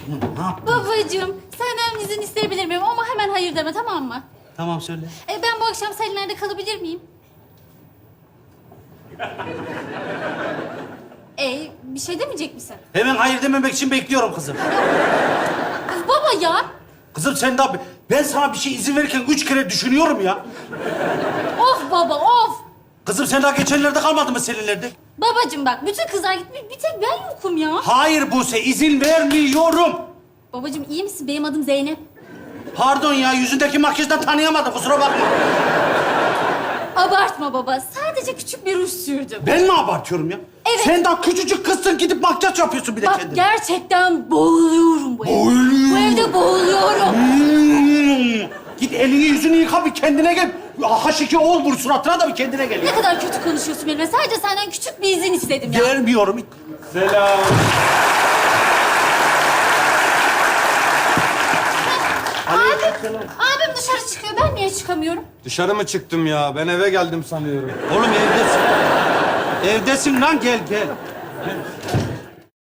Ne yaptın? Babacığım, senden izin isteyebilir miyim? Ama hemen hayır deme, tamam mı? Tamam söyle. Ben bu akşam Selinler'de kalabilir miyim? Bir şey demeyecek misin? Hemen hayır dememek için bekliyorum kızım. Kız baba ya. Kızım sen daha... Ben sana bir şey izin verirken 3 kere düşünüyorum ya. Of baba, of. Kızım sen daha geçenlerde kalmadın mı Selinler'de? Babacığım bak, bütün kızlar gitmiş, bir tek ben yokum ya. Hayır Buse, izin vermiyorum. Babacığım iyi misin? Benim adım Zeynep. Pardon ya, yüzündeki makyajdan tanıyamadım, kusura bakma. Abartma baba, sadece küçük bir ruj sürdüm. Ben mi abartıyorum ya? Evet. Sen daha küçücük kızsın, gidip makyaj yapıyorsun bir de Bak kendine. gerçekten boğuluyorum bu evde. Boğuluyorum. Bu evde boğuluyorum. Git elini yüzünü yıka, bir kendine gel. H2 ol vur suratına da bir kendine gel. Ne kadar kötü konuşuyorsun benimle. Sadece senden küçük bir izin istedim ya. Gelmiyorum. Selam. Abim dışarı çıkıyor. Ben niye çıkamıyorum? Dışarı mı çıktım ya? Ben eve geldim sanıyorum. Oğlum evdesin. Evdesin lan, gel gel.